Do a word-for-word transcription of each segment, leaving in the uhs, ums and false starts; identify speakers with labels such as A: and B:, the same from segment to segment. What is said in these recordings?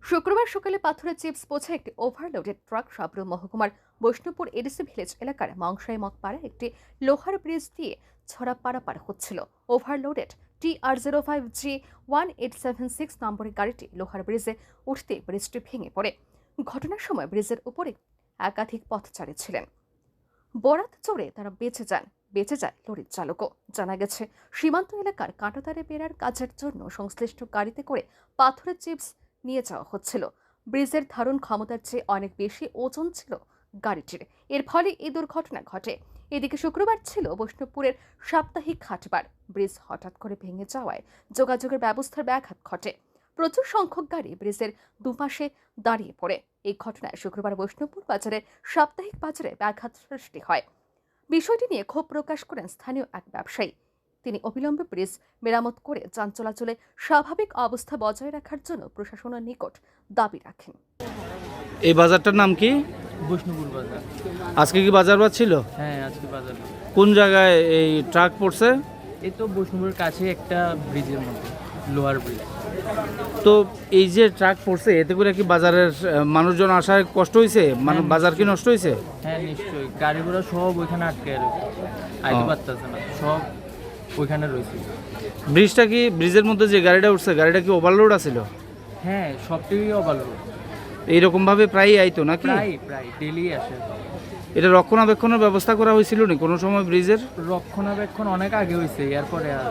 A: শুক্রবার সকালে পাথরের চিপস বোঝা একটি ওভারলোডেড ট্রাক সাবরুম মহকুমার বৈষ্ণবপুর এডিসি ভিলেজ এলাকার মাংসাই মগপাড়া একটি লোহার ব্রিজ দিয়ে ছড়া পারাপার হচ্ছিল। Overloaded T R zero five G one eight seven six নম্বরের গাড়িটি লোহার ব্রিজে উঠতে ব্রিজটি ভেঙে পড়ে। ঘটনার সময় ব্রিজের উপরে একাধিক পথচারী ছিলেন। বরাত চড়ে তারা বেঁচে যান বেঁচে যায় লরির চালকও। জানা গেছে, সীমান্ত এলাকার কাঁটাতারে বেড়ার কাজের জন্য সংশ্লিষ্ট গাড়িতে করে পাথরের চিপস নিয়ে যাওয়া হচ্ছিল। ব্রিজের ধারণ ক্ষমতার চেয়ে অনেক বেশি ওজন ছিল গাড়িটির, এর ফলে এই দুর্ঘটনা ঘটে। এদিকে শুক্রবার ছিল বৈষ্ণবপুরের সাপ্তাহিক হাটবার। ব্রিজ হঠাৎ করে ভেঙে যাওয়ায় যোগাযোগের ব্যবস্থার ব্যাঘাত ঘটে। প্রচুর সংখ্যক গাড়ি ব্রিজের দুপাশে দাঁড়িয়ে পড়ে। এই ঘটনায় শুক্রবার বৈষ্ণবপুর বাজারের সাপ্তাহিক বাজারে ব্যাঘাত সৃষ্টি হয়। বিষয়টি নিয়ে ক্ষোভ প্রকাশ করেন স্থানীয় এক ব্যবসায়ী। তিনি অবিলম্বে ব্রিজ মেরামত করে যান চলাচলে স্বাভাবিক অবস্থা বজায় রাখার জন্য প্রশাসনের নিকট দাবি রাখেন।
B: এই বাজারটার নাম কি?
C: বৈষ্ণবপুর বাজার।
B: আজকে কি বাজার বার ছিল?
C: হ্যাঁ, আজকে বাজার।
B: কোন জায়গায় এই ট্রাক পড়ছে?
C: এই তো বৈষ্ণবপুরের কাছে একটা ব্রিজের মধ্যে, লোহার ব্রিজ।
B: তো এই যে ট্রাক পড়ছে, এতে করে কি বাজারের আহ, মানুষজন আসায় কষ্ট হয়েছে? মানে
C: হ্যাঁ,
B: বাজার কি নষ্ট হয়েছে?
C: হ্যাঁ নিশ্চয়ই, গাড়ি ঘোড়া সব ওইখানে আটকে রয়েছে, আইতে
B: ও।
C: পারতেছে না, সব ওইখানে রয়েছে।
B: ব্রিজটা কি, ব্রিজের মধ্যে যে গাড়িটা উঠছে গাড়িটা কি ওভারলোড আছিল?
C: হ্যাঁ, সবটিই অভালো,
B: এইরকম ভাবে প্রায়ই আইতো নাকি?
C: প্রায় প্রায় ডেলি আসে।
B: এটা রক্ষণাবেক্ষণের ব্যবস্থা করা হয়েছিল না কোনো সময় ব্রিজের?
C: রক্ষণাবেক্ষণ অনেক আগে হয়েছে, এরপরে আর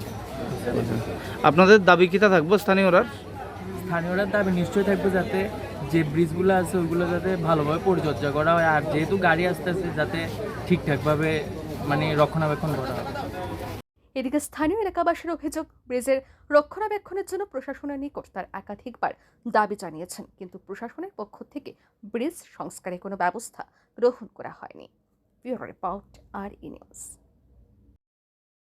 B: আপনাদের দাবি কিটা থাকবো স্থানীয়রা?
C: স্থানীয়রা দাবি নিশ্চয়ই থাকবে যাতে যে ব্রিজগুলো আছে ওইগুলো যাতে ভালোভাবে পরিচর্যা করা হয়, আর যেহেতু গাড়ি আসতেছে যাতে ঠিকঠাকভাবে মানে রক্ষণাবেক্ষণ করা হয়।
A: এদিকে স্থানীয় এলাকাবাসীর অভিযোগ, ব্রিজের রক্ষণাবেক্ষণের জন্য প্রশাসনের নিকট তার একাধিকবার দাবি জানিয়েছেন, কিন্তু প্রশাসনের পক্ষ থেকে ব্রিজ সংস্কারে কোনো ব্যবস্থা গ্রহণ করা হয়নি। Bureau report, R E news.